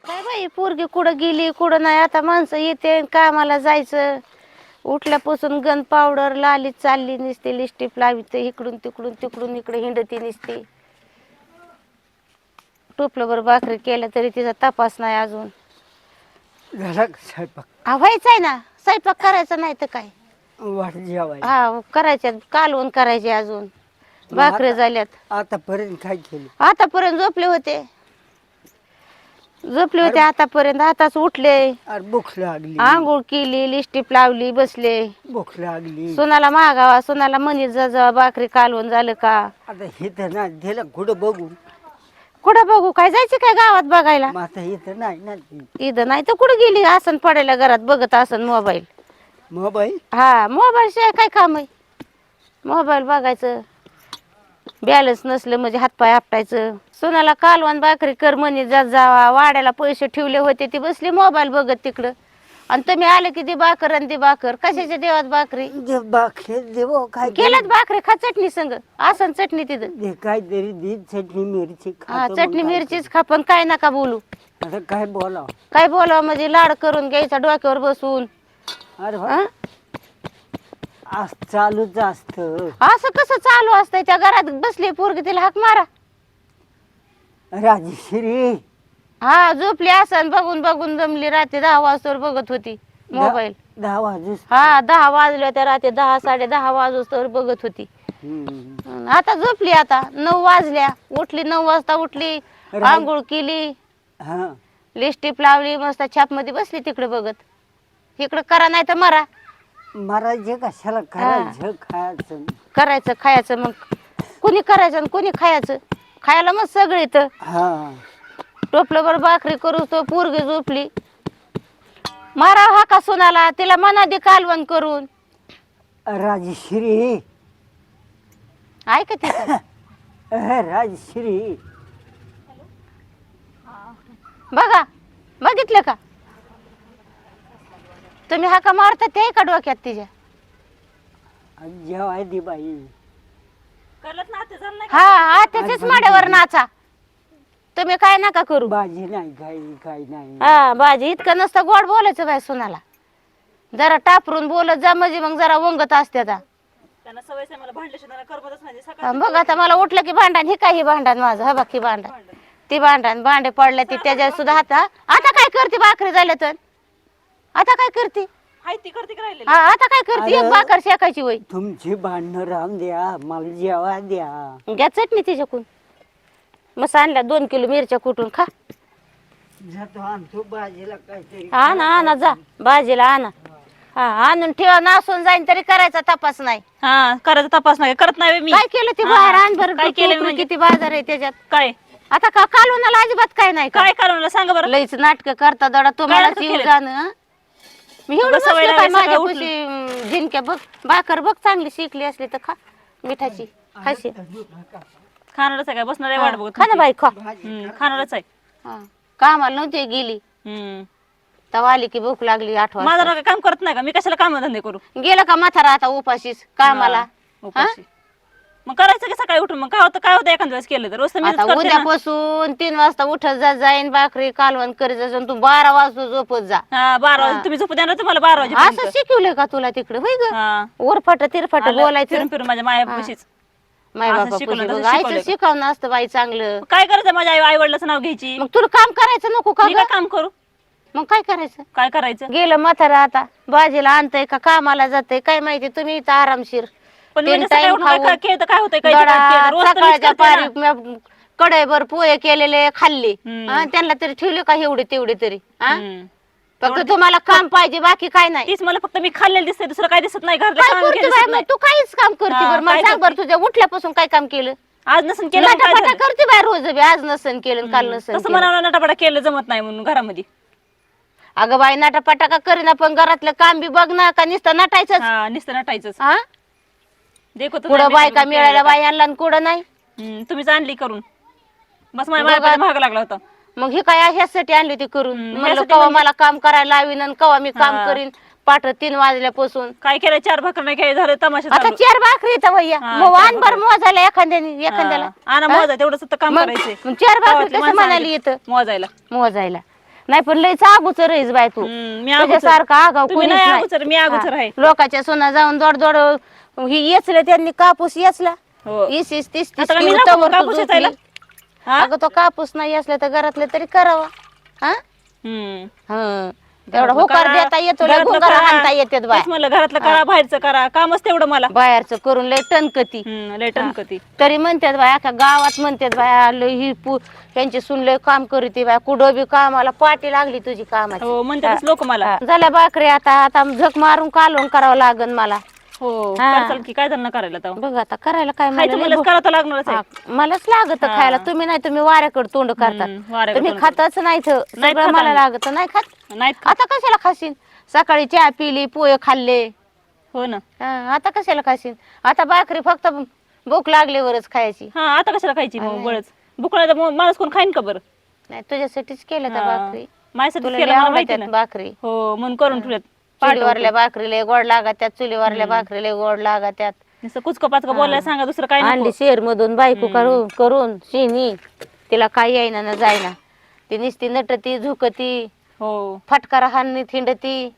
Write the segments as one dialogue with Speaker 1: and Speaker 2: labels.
Speaker 1: काय बाई पोरगी कुठं गेली कुठं नाही. आता माणसं येते कामाला जायचं. उठल्यापासून गन पावडर लाली चालली निसते लिपस्टिक लावित इकडून तिकडून तिकडून इकडे हिंडती निसते. टोपलं भाकरी केल्या तरी तिचा तपास नाही अजून.
Speaker 2: झाला का स्वयंपाक?
Speaker 1: हा व्हायचाय ना स्वयंपाक करायचा नाही तर काय.
Speaker 2: वाट जेवायला.
Speaker 1: हा करायच्यात कालवण करायचे अजून. भाकरी झाल्यात.
Speaker 2: आतापर्यंत काय केलं?
Speaker 1: आतापर्यंत झोपले होते आतापर्यंत. आताच उठले.
Speaker 2: अरे भूक लागली.
Speaker 1: आंघोळ केली लिपस्टिक लावली बसले.
Speaker 2: भूक लागली.
Speaker 1: सोनाला मागावा सोनाला म्हणी जा भाकरी कालवण झालं का.
Speaker 2: आता इथं नाही दिलं कुठं बघू.
Speaker 1: कुठं बघू काय जायचं काय गावात बघायला.
Speaker 2: मग आता इथं नाही ना.
Speaker 1: इथं नाही तर कुठं गेली आसन पडायला घरात बघत आसन मोबाईल.
Speaker 2: मोबाईल.
Speaker 1: हा मोबाईल शिवाय काय काम आहे. मोबाईल बघायचं. बॅलन्स नसलं म्हणजे हातपाय आपटायचं. सोनाला कालवण भाकरी कर म्हणे जावा. वाड्याला पैसे ठेवले होते ती बसली मोबाईल बघत तिकडं. आणि तुम्ही आले की ती भाकर आणि ती भाकर कशाच्या देवात भाकरी
Speaker 2: बाकी देव काय
Speaker 1: केल्यात भाकरी खा चटणी संग आसन चटणी तिथं.
Speaker 2: दे काहीतरी दे चटणी मिरची
Speaker 1: हा
Speaker 2: खातो.
Speaker 1: चटणी मिरचीच खा पण काय नका बोलू.
Speaker 2: आता काय बोलाव.
Speaker 1: काय बोलावं म्हणजे लाड करून घ्यायचा डोक्यावर बसून.
Speaker 2: अरे
Speaker 1: हा?
Speaker 2: आज चालूच असत.
Speaker 1: असं कसं चालू असतंय. त्या घरात बसली पोरगी तिला हाक मारा.
Speaker 2: राजश्री.
Speaker 1: हा झोपली असन बघून बघून जमली. रात्री 10 वाजता बघत होती मोबाईल.
Speaker 2: 10 वाजूस.
Speaker 1: हा 10 वाजले होत्या रात्री 10 10:30 वाजता बघत होती. आता झोपली. आता 9 वाजल्या. उठली 9 वाजता उठली. आंघोळ केली.
Speaker 2: हा
Speaker 1: लिपस्टिक लावली मस्त छाप मध्ये बसली तिकडे बघत. इकडं करा नाही तर मरा.
Speaker 2: महाराज कशाला करायचं खायचं.
Speaker 1: करायचं खायचं मग कुणी करायचं आणि कुणी खायचं. खायला मग सगळे तर
Speaker 2: हा
Speaker 1: टोपलं भाकरी करू तो पोरगी झोपली. मारा हा का सोनाला तिला मना दे कालवण करून.
Speaker 2: राजश्री.
Speaker 1: ऐक तिथं
Speaker 2: राजश्री.
Speaker 1: बघा बघितलं का तुम्ही हाका मारता ते का डोक्यात तिच्या.
Speaker 2: जेवाय दे बाई.
Speaker 1: हा आत्याच्याच माड्यावर नाचा. तुम्ही काय नका करू.
Speaker 2: भाजी नाही काही नाही.
Speaker 1: हा भाजी इतकं नसतं गोड बोलायचं बाय सोनाला. जरा टापरून बोलत जा म्हणजे मग जरा वंगत असते. बघ आता मला उठलं की भांडण. हे काही भांडण माझं हा बाकी भांडण ती भांडण भांडे पडल्या ती त्याच्या सुद्धा हाता. आता काय करते भाकरी झाल्या तर आता काय करते. हा आता काय करते. एक भाकर शेकायची वय.
Speaker 2: तुमची भांडणं राहून द्या मला जेवा द्या.
Speaker 1: घ्या चटणी तिच्याकून. मग आणल्या 2 किलो मिरच्या कुटून खा.
Speaker 2: जातो आणतो भाजीला काहीतरी.
Speaker 1: आणा आणा जा भाजीला आणा. हा आणून ठेवा नासून जाईन तरी करायचा तपास नाही.
Speaker 3: हा करायचा तपास नाही करत नाही मी.
Speaker 1: काय केलं ते बाहेर आण बरं.
Speaker 3: काय केलं म्हणजे?
Speaker 1: किती बाजार आहे त्याच्यात.
Speaker 3: काय
Speaker 1: आता का कालवणाला अजिबात काय नाही का.
Speaker 3: काय करावं सांगा बरं.
Speaker 1: लईच नाटक करता दडा तुम्हाला
Speaker 3: नाटकं
Speaker 1: येऊ
Speaker 3: केलेत?
Speaker 1: जाणं. मी एवढं
Speaker 3: बस सवय
Speaker 1: बसले काय
Speaker 3: लागली
Speaker 1: माझ्या
Speaker 3: सकाळी
Speaker 1: कुशी झिणक्या बघ भाकर बघ चांगली शिकली असली तर खा मिठाची खाशी.
Speaker 3: खाणारच आहे काय बसणार आहे वाट बघत.
Speaker 1: खा ना बाई खा.
Speaker 3: खाणारच आहे.
Speaker 1: हा. कामाला नव्हती गेली
Speaker 3: हम्म.
Speaker 1: तेव्हा आली की भूक लागली 8 वाजता.
Speaker 3: माझा नका काम करत नाही का मी कशाला काम धंदे करू.
Speaker 1: गेलं का म्हातारा आता उपाशीच कामाला.
Speaker 3: उपाशी. मग करायचं की सकाळी उठून मग काय होतं एखाद्या वेळेस केलं तर रोज तर मीच
Speaker 1: आता
Speaker 3: करते ना.
Speaker 1: उद्यापासून 3 वाजता उठत जाईन भाकरी कालवण करीत जा. तू 12 वाजता झोपत जा.
Speaker 3: हा 12 वाजे तुम्ही झोपू द्या ना तुम्हाला 12 वाजे.
Speaker 1: असं शिकवलंय का तुला तिकडे होय ग.
Speaker 3: हा
Speaker 1: ओरफाट तिरफाट बोलायचं.
Speaker 3: फिरून फिरून माझ्या मायापाशीच.
Speaker 1: माय
Speaker 3: असं
Speaker 1: बाबा
Speaker 3: शिकवलं, तसं
Speaker 1: आईचं
Speaker 3: शिकवलंय.
Speaker 1: शिकवणं असतं बाई चांगलं.
Speaker 3: काय करायचं माझ्या आई वडिलाचं नाव घ्यायची.
Speaker 1: मग तुला काम करायचं नको का
Speaker 3: मी
Speaker 1: ग?
Speaker 3: काय काम करू.
Speaker 1: मग काय करायचं.
Speaker 3: काय करायचं
Speaker 1: गेलं म्हातारा आता भाजीला आणतंय का कामाला जातंय काय माहिती. तुम्ही इथं आरामशीर
Speaker 3: पण मी
Speaker 1: 3
Speaker 3: जसं काय
Speaker 1: टाइम
Speaker 3: उठून काय
Speaker 1: खाऊन
Speaker 3: केलं तर काय होतंय काय
Speaker 1: दडा,
Speaker 3: रोज तर मीच
Speaker 1: सकाळच्या
Speaker 3: करते ना.
Speaker 1: पारी कढईभर पोहे केलेले खाल्ले.
Speaker 3: हम्म.
Speaker 1: हा, त्यांना तरी ठेवले का एवढे तेवढे तरी. हा?
Speaker 3: हम्म.
Speaker 1: फक्त तुम्हाला काम पाहिजे बाकी काय नाही.
Speaker 3: तीच मला फक्त मी खाल्लेलं दिसतंय दुसरं काय दिसत नाही घरातलं
Speaker 1: काय
Speaker 3: काम
Speaker 1: करते
Speaker 3: केलं
Speaker 1: बाई
Speaker 3: दिसत
Speaker 1: मग
Speaker 3: नाही.
Speaker 1: तू काहीच काम करते
Speaker 3: हा,
Speaker 1: बरं मला
Speaker 3: काय
Speaker 1: सांग बरं
Speaker 3: करते?
Speaker 1: तुझ्या उठल्यापासून काय काम केलं.
Speaker 3: आज नसन केलं मग काय
Speaker 1: नाटापाटा
Speaker 3: झालं?
Speaker 1: करते बाय रोज बी. आज नसन केलं काल नसन
Speaker 3: तसं
Speaker 1: केलं.
Speaker 3: मला नटापटा केलं जमत नाही म्हणून घरामध्ये.
Speaker 1: अगं बाई नाटापाटा का करीना पण घरातलं काम बी बघ ना का नुसतं नटायचं.
Speaker 3: हा नुसतं नटायचंच.
Speaker 1: हा
Speaker 3: देखो तर
Speaker 1: कुठं
Speaker 3: नाही,
Speaker 1: बायका
Speaker 3: मी
Speaker 1: मिळायला
Speaker 3: केलं का?
Speaker 1: बाई आणला आणि कुठं नाही.
Speaker 3: तुम्हीच आणली करून बस माझ्या महाग लागला होता.
Speaker 1: मग ही काय ह्यासाठी आणली होती करून. म्हणलं
Speaker 3: ह्यासाठी
Speaker 1: कवा
Speaker 3: म्हणजे?
Speaker 1: मला काम करायला लावीन आणि कवा मी काम
Speaker 3: हा.
Speaker 1: करीन. पाठ 3 वाजल्यापासून
Speaker 3: काय केलं 4 भाकर नाही काय झालं तमाशा
Speaker 1: आता
Speaker 3: चालू.
Speaker 1: 4 भाकरी येतं भैया.
Speaker 3: हा,
Speaker 1: मग
Speaker 3: 4
Speaker 1: आण बरं मोजायला एखाद्याला.
Speaker 3: आणा मोजा तेवढंच तर काम
Speaker 1: मग
Speaker 3: करायचंय.
Speaker 1: 4 भाकरी
Speaker 3: गावातली
Speaker 1: कसं
Speaker 3: माणसं
Speaker 1: म्हणाली
Speaker 3: आणली
Speaker 1: येतं
Speaker 3: मोजायला.
Speaker 1: मोजायला. नाही पण लयच अगोचर आहेस बाय तू
Speaker 3: मी अगोचर.
Speaker 1: तुझ्यासारखा आगाव
Speaker 3: तुम्ही
Speaker 1: कोणीच
Speaker 3: नाही
Speaker 1: नाही.
Speaker 3: अगोचर, मी अगोचर
Speaker 1: हा.
Speaker 3: आहे.
Speaker 1: लोकांच्या सोना जाऊन दोड दोड ही येचले त्यांनी कापूस येचला
Speaker 3: हो.
Speaker 1: 20-30
Speaker 3: आता काय मी
Speaker 1: किलो
Speaker 3: नको
Speaker 1: तवर तू
Speaker 3: कापूस
Speaker 1: झोपली.
Speaker 3: वेचायला? हा?
Speaker 1: अगं तो कापूस नाही असला तर घरातले तरी करावा हा
Speaker 3: हम्म.
Speaker 1: हा तेवढा
Speaker 3: घरातलं
Speaker 1: होकार
Speaker 3: करा,
Speaker 1: देता येतो लय
Speaker 3: घरातलं
Speaker 1: गुंगारा
Speaker 3: करा.
Speaker 1: हाणता येतात बाय
Speaker 3: तेच म्हणलं घरातलं करा बाहेरचं करा, कामच तेवढं मला.
Speaker 1: बाहेरचं करून लय टणकती
Speaker 3: लय टणकती.
Speaker 1: तरी म्हणतात बाय अख्या गावात म्हणतात बाय लय ही त्यांची सून लय काम करीती बाय कुठं बी कामाला पाठी लागली तुझी कामाची.
Speaker 3: हो म्हणतातच लोक मला.
Speaker 1: हा. झाल्या भाकरी आता आता झक मारून कालवून करावं लागन मला.
Speaker 3: हो
Speaker 1: हा.
Speaker 3: करचाल की काय त्यांना करायला तेव्हा.
Speaker 1: बघ आता करायला काय मला
Speaker 3: खायचं
Speaker 1: लय
Speaker 3: म्हणलंच करावं तर लागणारच आहे.
Speaker 1: हा, मलाच लागत
Speaker 3: हा.
Speaker 1: खायला तुम्ही नाही तुम्ही वाऱ्याकडे तोंड करतात
Speaker 3: वाऱ्याकडे
Speaker 1: तुम्ही
Speaker 3: तोंड
Speaker 1: खातच नाही
Speaker 3: नाहीत
Speaker 1: सगळं
Speaker 3: खात
Speaker 1: मला
Speaker 3: आम्ही.
Speaker 1: लागत नाही खात
Speaker 3: नाहीत का?
Speaker 1: आता कशाला खाशीन सकाळी चहा पिली पोहे खाल्ले
Speaker 3: हो ना.
Speaker 1: हा, आता कशाला खाशीन आता भाकरी फक्त भूक लागल्यावरच खायची
Speaker 3: हा आता कशाला खायची मग बळच भूक नाही तर मग माणूस कोण खाईन का बरं.
Speaker 1: नाही तुझ्यासाठीच केलं त्या
Speaker 3: हा.
Speaker 1: भाकरी
Speaker 3: माझ्यासाठी
Speaker 1: तुला
Speaker 3: केलं
Speaker 1: लय
Speaker 3: मला माहिती
Speaker 1: आवडतात
Speaker 3: ना.
Speaker 1: भाकरी
Speaker 3: हो म्हणून करून ठेवल्यात.
Speaker 1: चुलीवरल्या भाकरीला गोड लागत्यात चुलीवरल्या भाकरीला गोड लागत्यात
Speaker 3: नुसतं कुचकं पाचकं बोलायला सांगा दुसरं काय
Speaker 1: अंडी
Speaker 3: नको.
Speaker 1: शेर मधून बायको करून शिनी तिला काही येईना ना जायना ती नुसती नटती झुकती
Speaker 3: हो
Speaker 1: फटकारा हानी थिंडती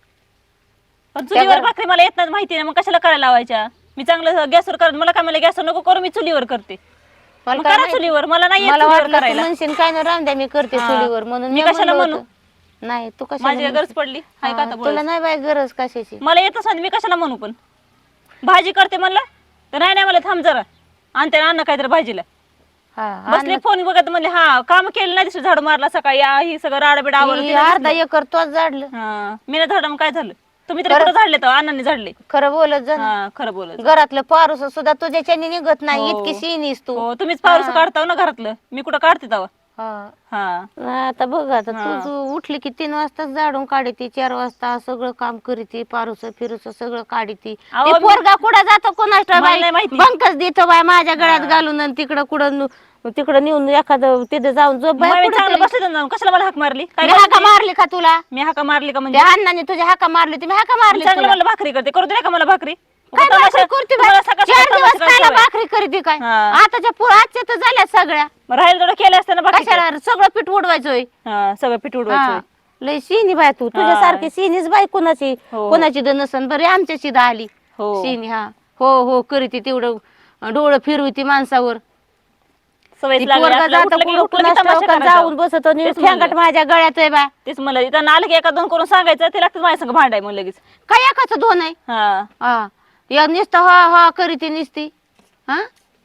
Speaker 3: पण चुलीवर भाकरी मला येत नाही माहिती नाही मग कशाला करायला लावायच्या. मी चांगलं गॅसवर करत मला काय मला गॅसवर नको करू मी चुलीवर करते.
Speaker 1: मला
Speaker 3: मग
Speaker 1: काय
Speaker 3: करा
Speaker 1: माहिती?
Speaker 3: चुलीवर मला नाही येत
Speaker 1: मला
Speaker 3: चुलीवर
Speaker 1: वाटलं तू
Speaker 3: करायला.
Speaker 1: म्हणशील काय ना रामद्या मी करते
Speaker 3: हा.
Speaker 1: चुलीवर म्हणून
Speaker 3: मी कशाला
Speaker 1: म्हणलं
Speaker 3: म्हणू?
Speaker 1: होतं. नाही तू कशाला
Speaker 3: माझी गरज
Speaker 1: म्हणशील?
Speaker 3: पडली हाय का
Speaker 1: हा,
Speaker 3: आता
Speaker 1: तुला
Speaker 3: बोलायचं?
Speaker 1: नाही बाय गरज कशाची
Speaker 3: मला येतच नाही मी कशाला म्हणू पण भाजी करते म्हणलं तर नाही नाही मला थांब जरा आणते अन्न काहीतरी भाजीला
Speaker 1: हा
Speaker 3: बसले फोन बघत म्हणले हा काम केलं नाही दिसलं झाड मारला सकाळी ही सगळं राडाबिड
Speaker 1: ही
Speaker 3: आवडलं
Speaker 1: अर्धा एकर तोच झाडलं
Speaker 3: मी नाही झाडं मग काय झालं तुम्ही तरी कुठं झाडले तर अण्णांनी झाडले.
Speaker 1: खरं बोलत जा ना.
Speaker 3: हा खरं बोलत.
Speaker 1: घरातलं पारूस सुद्धा तुझ्याच्याने निघत नाही
Speaker 3: हो.
Speaker 1: इतकी शिनीस तू
Speaker 3: हो तुम्हीच पाऊस काढताव ना घरातलं मी कुठं काढते तेव्हा.
Speaker 1: हा.
Speaker 3: हा
Speaker 1: आता बघ आता
Speaker 3: हा.
Speaker 1: तू उठली की 3 वाजता झाडून काढती 4 वाजता सगळं काम करीती पारूस फिरूस सगळं काढती
Speaker 3: अहो,
Speaker 1: ते पोरगा कुठं जातो कोणाच
Speaker 3: मला
Speaker 1: बाई
Speaker 3: नाही माहिती.
Speaker 1: बंकच देतो बाय माझ्या गळ्यात घालून आणि तिकडं कुठं तिकडं नेऊन एखादं तिथं जाऊन झोप बाय
Speaker 3: मग मी
Speaker 1: कुठं
Speaker 3: चांगलं
Speaker 1: तरी.
Speaker 3: बसले ना कशाला मला हाक मारली काय
Speaker 1: मी हाका मारली का तुला
Speaker 3: मी हाका मारली का म्हणजे
Speaker 1: त्या अण्णाने तुझ्या हाका मारली तुम्ही हाका मारली
Speaker 3: चांगलं
Speaker 1: तुला.
Speaker 3: मला भाकरी करते करू दे का मला भाकरी.
Speaker 1: काय
Speaker 3: तमाशा-
Speaker 1: भाकरी करते बाई?
Speaker 3: तुम्हाला सकाळ
Speaker 1: 4
Speaker 3: सकाळ
Speaker 1: दिवस
Speaker 3: तमाशा
Speaker 1: खायला
Speaker 3: करायचा
Speaker 1: भाकरी करते काय
Speaker 3: हा.
Speaker 1: आताच्या आजच्या तर झाल्या सगळ्या
Speaker 3: मग राहील थोडं केलं असतं ना भाकरी.
Speaker 1: कशाला सगळं पीठ उडवायचोय
Speaker 3: सगळं पीठ
Speaker 1: हा.
Speaker 3: उडवायचं.
Speaker 1: लय शिनी बाय तू तुझ्यासारखी शिनीच बाय कोणाची
Speaker 3: हो.
Speaker 1: कोणाची द नसन बरे आमच्याची द आली
Speaker 3: हो
Speaker 1: शिनी हा हो हो करीती तेवढं डोळं फिरवती माणसावर
Speaker 3: सवयच
Speaker 1: ती
Speaker 3: लागली
Speaker 1: पोरगा
Speaker 3: आपलं
Speaker 1: जातं
Speaker 3: उठलं की-
Speaker 1: कुठं
Speaker 3: उठलं की
Speaker 1: कुणास
Speaker 3: तमाशा
Speaker 1: ठाऊक आणि
Speaker 3: करायचा.
Speaker 1: जाऊन बसतो आणि
Speaker 3: तेच म्हणलं.
Speaker 1: ठेंगट माझ्या गळ्यात आहे बाय
Speaker 3: तेच म्हणलं इथं आलं की एका दोन करून सांगायचं ते लागतं माझ्या संग भांडाय मग लगेच.
Speaker 1: काय एकाच दोन आहे
Speaker 3: हा
Speaker 1: हा या नुसतं हा हा करीती निसती हा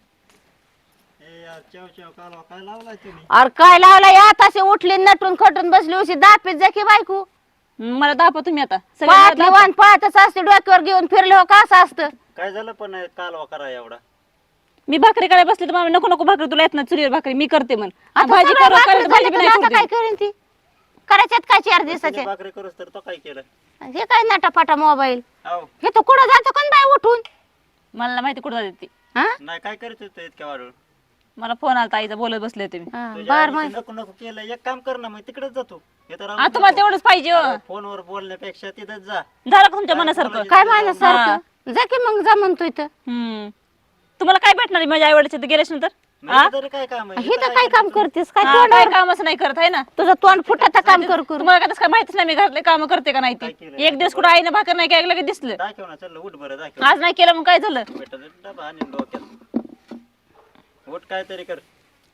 Speaker 1: अरे काय लावला या तासे उठली नटून खटून बसली उशी दापीत जा की बायको
Speaker 3: मला दाखवा तुम्ही आता सगळं
Speaker 1: पायातली वाण पाहतच असते डोक्यावर घेऊन फिरले हो का असं असतं
Speaker 2: काय झालं पण कालवा करा एवढा
Speaker 3: मी भाकरी करायला बसली तर मला नको नको भाकरी तुला येत ना चुलीवर भाकरी मी करते म्हण
Speaker 1: आता
Speaker 3: भाजी
Speaker 1: सगळं
Speaker 3: करू
Speaker 1: भाकरी
Speaker 3: करायचं भाजी
Speaker 1: झाली
Speaker 3: बी
Speaker 1: तर
Speaker 3: नाही
Speaker 1: आता
Speaker 3: करू
Speaker 1: काय
Speaker 3: देत.
Speaker 1: करेन ती करायच्यात काय 4 दिवसाचे
Speaker 2: भाकरी करूस तर तो काय केलं
Speaker 1: हे काय नाटापाटा मोबाईल
Speaker 2: अहो
Speaker 1: हे तर कुठं जातो कोण बाय उठून
Speaker 3: मला नाही माहिती कुठं जाते ती
Speaker 1: हा
Speaker 2: नाही काय करत होतं इतक्या वाढून
Speaker 3: मला फोन आला आईचा बोलत बसले होते मी
Speaker 1: हा,
Speaker 2: तुझ्या
Speaker 1: बार
Speaker 2: आईने
Speaker 1: मग
Speaker 2: नको नको केलं एक काम कर ना मग तिकडेच जातो हे तर
Speaker 3: आता तुम्हाला तेवढंच पाहिजे हो.
Speaker 2: फोनवर बोलण्यापेक्षा तिथंच जा
Speaker 3: झालं का तुमच्या मनासारखं
Speaker 1: काय मानसारखं जा की मग जा म्हणतो इथं
Speaker 3: तुम्हाला काय भेटणार आहे माझ्या आई वडिलांच्या गेल्याच्या नंतर
Speaker 2: नाही तरी काय काम आहे
Speaker 1: हे तर काय काम करतेस काय
Speaker 3: काय
Speaker 1: तोंडावर
Speaker 3: कामच नाही करत आहे ना
Speaker 1: तुझं तोंड फुटाचं काम कर करू
Speaker 3: तुम्हाला काय तसं काय माहितीच नाही मी घरातले काम करते का नाही
Speaker 2: काय
Speaker 3: ती
Speaker 2: केलं?
Speaker 3: एक दिवस कुठं आईनं भाकर नाही काय लगेच दिसलं
Speaker 2: दाखव ना चल उठ बरं दाखव
Speaker 3: आज नाही केलं मग काय झालं
Speaker 2: बेटा डबा आणि डोक्यात उठ काय तरी कर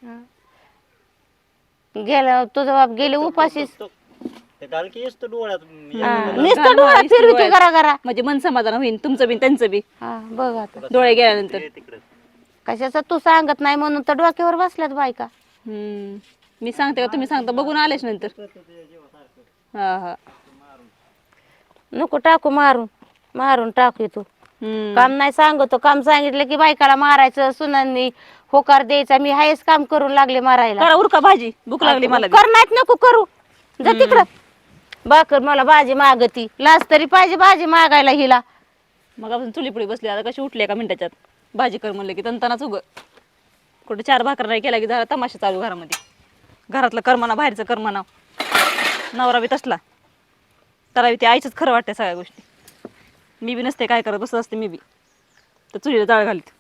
Speaker 1: गेला तुझा बाप गेले उपाशीस
Speaker 2: ते घाल की येस तो डोळ्यात
Speaker 1: नुसतं डोळा फिरविते घरा घरा
Speaker 3: म्हणजे मन समाधान होईल तुमचं बी त्यांचं बी
Speaker 1: हा बघ आता
Speaker 3: डोळे गेल्यानंतर
Speaker 2: तिकडे
Speaker 1: कशाचं तू सांगत नाही म्हणून तर डोक्यावर बसल्यात बायका
Speaker 3: मी सांगते का तुम्ही सांगता बघून आलेच नंतर हा हा
Speaker 1: नको टाकू मारून मारून टाकू तू
Speaker 3: हम्म.
Speaker 1: काम नाही सांगतो काम सांगितलं की बायकाला मारायचं सुनांनी होकार द्यायचा मी हायच काम करून लागले मारायला
Speaker 3: करा उरका भाजी भूक लागली मला बी.
Speaker 1: कर नाहीत नको करू जा तिकडं बाकर मला भाजी मागती लाज तरी पाहिजे भाजी मागायला हिला
Speaker 3: मग आपण चुलीपुडी बसली आता कशी उठली एका मिनिटाच्यात भाजी कर म्हणलं की तंतनाच उग कुठे 4 भाकर नाही केला की जरा तमाशा चालू घरामध्ये घरातलं करमाना बाहेरचं करमाना नवरा बी तसला तर ते आईचंच खरं वाटतं सगळ्या गोष्टी मी बी नसते काय करत बसत असते मी बी तर चुलीला जाळ घालीत